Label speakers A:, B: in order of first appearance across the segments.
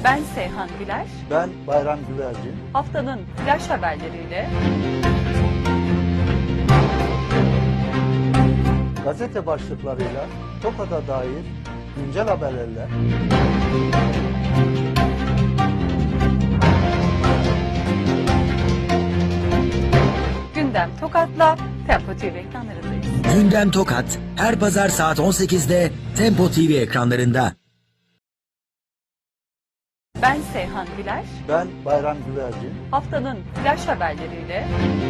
A: Ben Seyhan Güler.
B: Ben Bayram Güvercin.
A: Haftanın flash haberleriyle
B: Gazete başlıklarıyla TOKA'da dair güncel haberlerle
A: Gündem Tokat'la Tempo TV ekranlarındayız.
C: Gündem Tokat her pazar saat 18'de Tempo TV ekranlarında.
A: Ben Seyhan Güler.
B: ben Bayram Güvercin.
A: Haftanın flash haberleriyle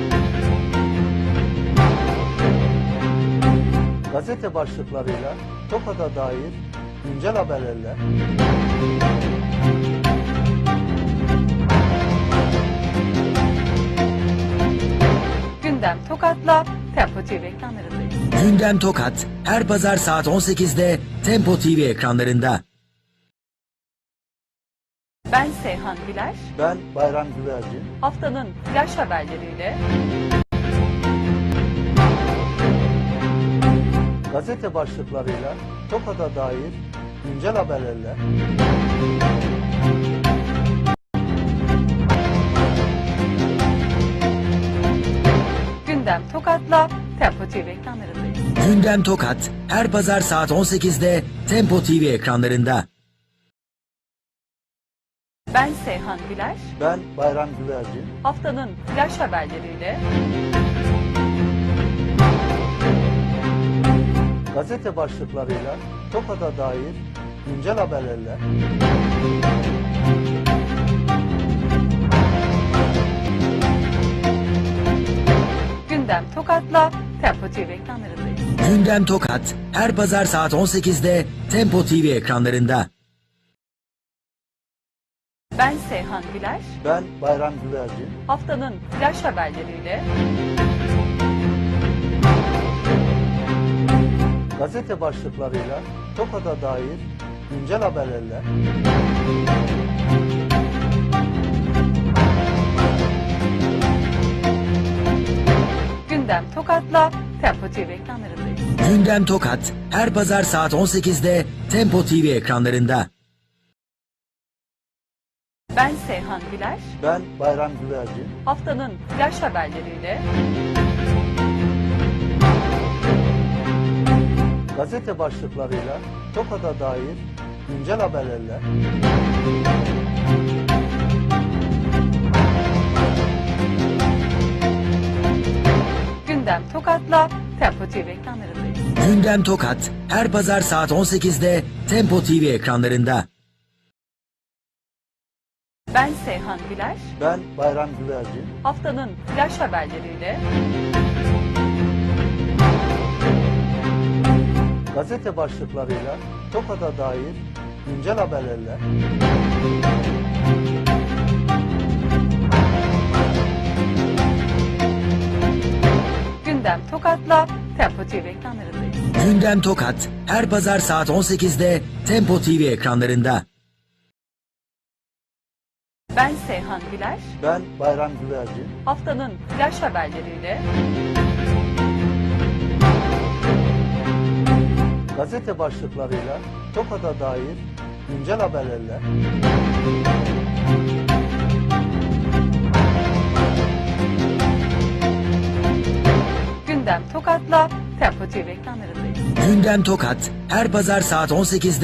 B: Gazete başlıklarıyla TOKA'da dair güncel haberlerle
A: Gündem Tokat'la Tempo TV ekranlarındayız.
C: Gündem Tokat her pazar saat 18'de Tempo TV ekranlarında.
A: Ben Seyhan Güler.
B: ben Bayram Güvercin.
A: Haftanın flash haberleriyle
B: Gazete başlıklarıyla TOKA'da dair güncel haberlerle
A: Gündem Tokat'la Tempo TV ekranlarındayız.
C: Gündem Tokat her pazar saat 18'de Tempo TV ekranlarında.
A: Ben Seyhan Güler.
B: ben Bayram Güvercin.
A: Haftanın flash haberleriyle
B: Gazete başlıklarıyla TOKA'da dair güncel haberlerle
A: Gündem Tokat'la Tempo TV ekranlarındayız.
C: Gündem Tokat her pazar saat 18'de Tempo TV ekranlarında.
A: Ben Seyhan Güler.
B: ben Bayram Güvercin.
A: Haftanın flash haberleriyle
B: Gazete başlıklarıyla TOKA'da dair güncel haberlerle
A: Gündem Tokat'la Tempo TV ekranlarındayız.
C: Gündem Tokat her pazar saat 18'de Tempo TV ekranlarında.
A: Ben Seyhan Güler.
B: ben Bayram Güvercin.
A: Haftanın flash haberleriyle
B: Gazete başlıklarıyla TOKA'da dair güncel haberlerle
A: Gündem Tokat'la Tempo TV ekranlarındayız.
C: Gündem Tokat her pazar saat 18'de Tempo TV ekranlarında.
A: Ben Seyhan Güler.
B: ben Bayram Güvercin.
A: Haftanın flash haberleriyle
B: Gazete başlıklarıyla TOKA'da dair güncel haberlerle
A: Gündem Tokat'la Tempo TV ekranlarındayız.
C: Gündem Tokat her pazar saat 18'de Tempo TV ekranlarında.
A: Ben Seyhan Güler.
B: ben Bayram Güvercin.
A: Haftanın flash haberleriyle
B: Gazete başlıklarıyla TOKA'da dair güncel haberlerle
A: Gündem Tokat'la Tempo TV ekranlarındayız.
C: Gündem Tokat her pazar saat 18'de